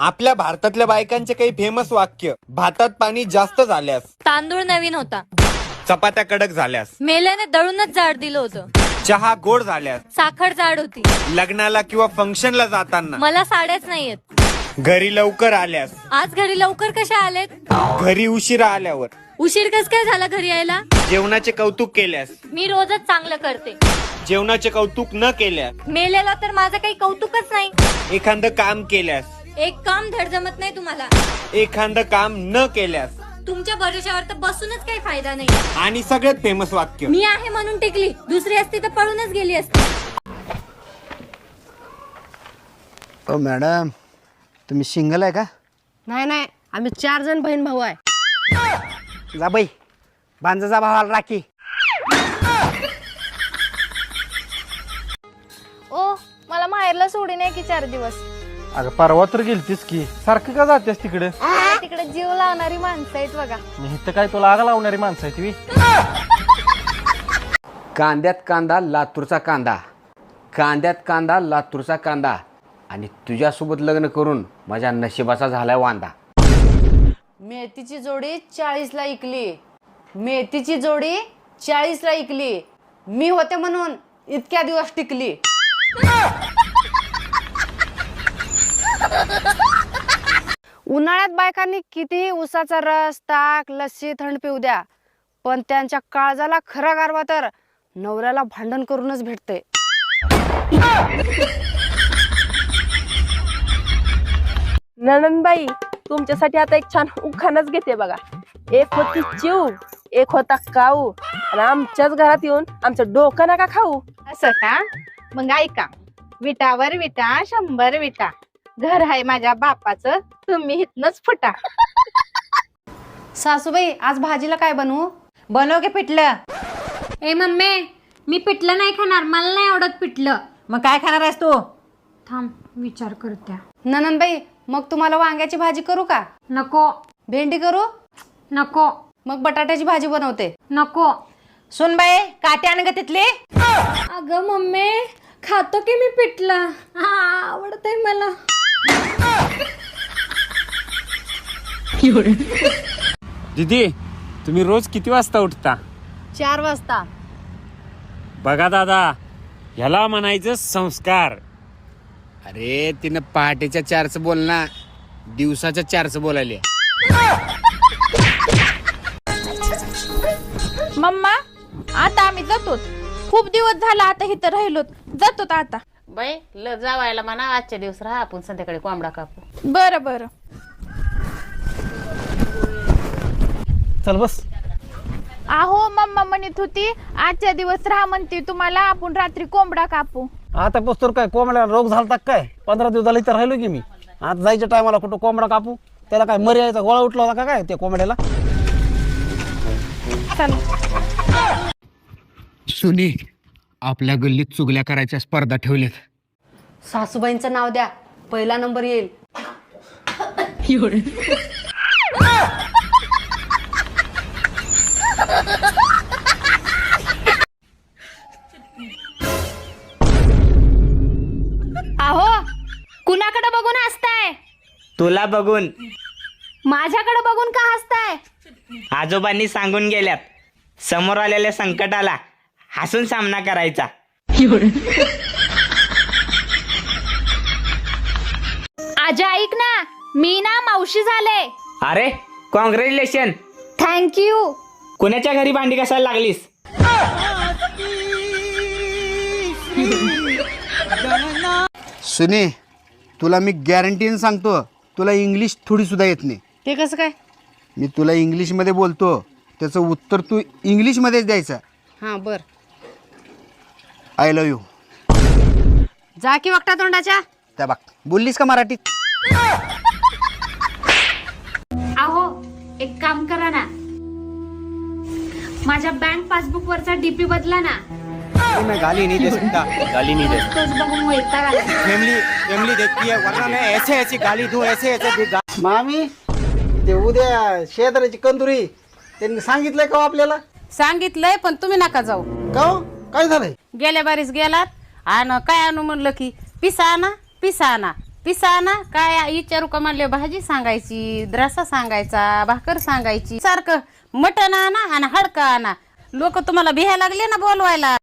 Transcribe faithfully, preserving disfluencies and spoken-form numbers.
आपल्या भारतातल्या बायकांचे काही फेमस वाक्य. भातात पाणी जास्त झाल्यास, तांदूळ नवीन होता, चपात्या कडक झाल्यास, मेल्याने दळूनच जाड दिलं होतं, चहा गोड झाल्यास, साखर जाड होती, लग्नाला किंवा फंक्शनला जाताना, मला साड्याच नाहीयेत, घरी लवकर आल्यास, आज घरी लवकर कशा आलेत, घरी उशिरा आल्यावर, उशीर कस काय झाला घरी यायला, जेवणाचे कौतुक केल्यास, मी रोजच चांगलं करते, जेवणाचे कौतुक न केल्यास, मेलेला तर माझं काही कौतुकच नाही, एखादं काम केल्यास, एक काम धड जमत नाही तुम्हाला, एखादं काम न केल्यास, तुमच्या भरोश्यावर तर बसूनच काही फायदा नाही, आणि सगळ्यात फेमस वाक्य. मी आहे म्हणून टिकली, दुसरी असती तर पळूनच गेली असती. ओ मॅडम, तुम्ही सिंगल आहे का? नाही नाही, आम्ही चार जण बहीण भाऊ आहे. जा बाई, बांजा जा भावाला राखी. ओ मला माहेरला सोडून आहे की चार दिवस. अगं परवा तर गेलतीस की, सारखं का जातेस तिकडे? तिकडे जीव लावणारी माणसं आहेत बघा. मी इथं काय तुला आग लावणारी माणसं आहे तुम्ही? कांद्यात कांदा लातूरचा कांदा, कांद्यात कांदा लातूरचा कांदा, आणि तुझ्यासोबत लग्न करून माझ्या नशिबाचा झालाय वांदा. मेथीची जोडी चाळीसला इकली, मेथीची जोडी चाळीसला इकली, मी होते म्हणून इतक्या दिवस टिकली. उन्हाळ्यात बायकांनी कितीही उसाचा रस, ताक, लस्सी, थंड पिऊ द्या, पण त्यांच्या काळजाला खरा गारवा तर नवऱ्याला भांडण करूनच भेटते. नणंदबाई, तुमच्यासाठी आता एक छान उखाणच घेते बघा. एक होती चिव, एक होता काऊ, आणि आमच्याच घरात येऊन आमचं डोकं नका खाऊ. असं का? मग ऐका, विटावर विटा शंभर विटा, घर आहे माझ्या बापाचं, तुम्ही इथनच फुटा. सासूबाई, आज भाजीला काय बनवू? बनव के पिठलं. ए मम्मी, मी पिठलं नाही खाणार, मला नाही आवडत पिठलं. मग काय खाणार आहेस तू? थांब, विचार करत्या. ननंदबाई, मग तुम्हाला वांग्याची भाजी करू का? नको भेंडी करू? नको मग बटाट्याची भाजी बनवते. नको. सुन बाई, काटे आण ग तिथले. अगं मम्मी, खातो की मी पिठलं, आवडतंय मला. दीदी, तुम्ही रोज किती वाजता उठता? चार वाजता. बघा दादा, ह्याला म्हणायचं संस्कार. अरे तिनं पहाटेच्या चारचं बोल ना, दिवसाच्या चारचं बोलायले. मम्मा, आता आम्ही जातो. खूप दिवस झाला आता इथं राहिलो, जातो आता. बाई ल जावायला म्हणा, आजच्या दिवस राहा, आपण संध्याकाळी कोंबडा कापू. बरं बरं. चल बस. आहो, मम्मा म्हणत होती आजच्या दिवस राहा म्हणते तुम्हाला, आपण रात्री कोंबडा कापू. आता पोचतो काय कोंबड्याला रोग झालता काय? पंधरा दिवस झाले इथं राहिलो की मी. आता जायच्या टायमाला कुठं कोंबडा कापू? त्याला काय मरी यायचा गोळा उठला होता का काय त्या कोंबड्याला? सुनी, आपल्या गल्लीत चुगल्या करायच्या स्पर्धा ठेवल्यात. सासूबाईंचं नाव द्या, पहिला नंबर येईल. आहो, कुणाकडे बघून हसताय? तुला बघून. माझ्याकडे बघून का हसताय? आजोबांनी सांगून गेल्यात, समोर आलेल्या संकटाला हसून सामना करायचा. आजा ऐक ना, मी ना मावशी झाले. अरे कॉंग्रॅच्युलेशन. थँक्यू. कुणाच्या घरी भांडी कसायला लागलीस? सुनी, तुला मी गॅरंटीने सांगतो, तुला इंग्लिश थोडी सुद्धा येत नाही. ते कसं काय? मी तुला इंग्लिशमध्ये बोलतो, त्याचं उत्तर तू इंग्लिशमध्येच द्यायचं. हां बर. I love you. जा की वक्ता तोंडाच्या. त्या बघ, बोललीस का मराठीत? आहो, एक काम करा ना, माझ्या बँक पासबुक वरचा डीपी बदला ना. मैं गाली नहीं दे सकता, गाली नहीं दे सकता. तोच बघून वैताग आला. फैमिली फैमिली देखती है, वरना मैं ऐसे ऐसी गाली दूं, ऐसे ऐसे गा... मामी, ते उद्या शेजाऱ्याची कंदुरी त्यांनी सांगितलंय का हो आपल्याला? सांगितलंय, पण तुम्ही नका जाऊ. का हो? काय झालंय? गेल्या बारीस गेलात आणि काय आणू म्हणलं की पिसा आणा, पिसा आणा. पिसा ना काय विचारू का म्हणले भाजी सांगायची, रसा सांगायचा, भाकर सांगायची, सारखं मटण आणा आणि हडका आणा. लोक तुम्हाला भिया लागले ना बोलवायला.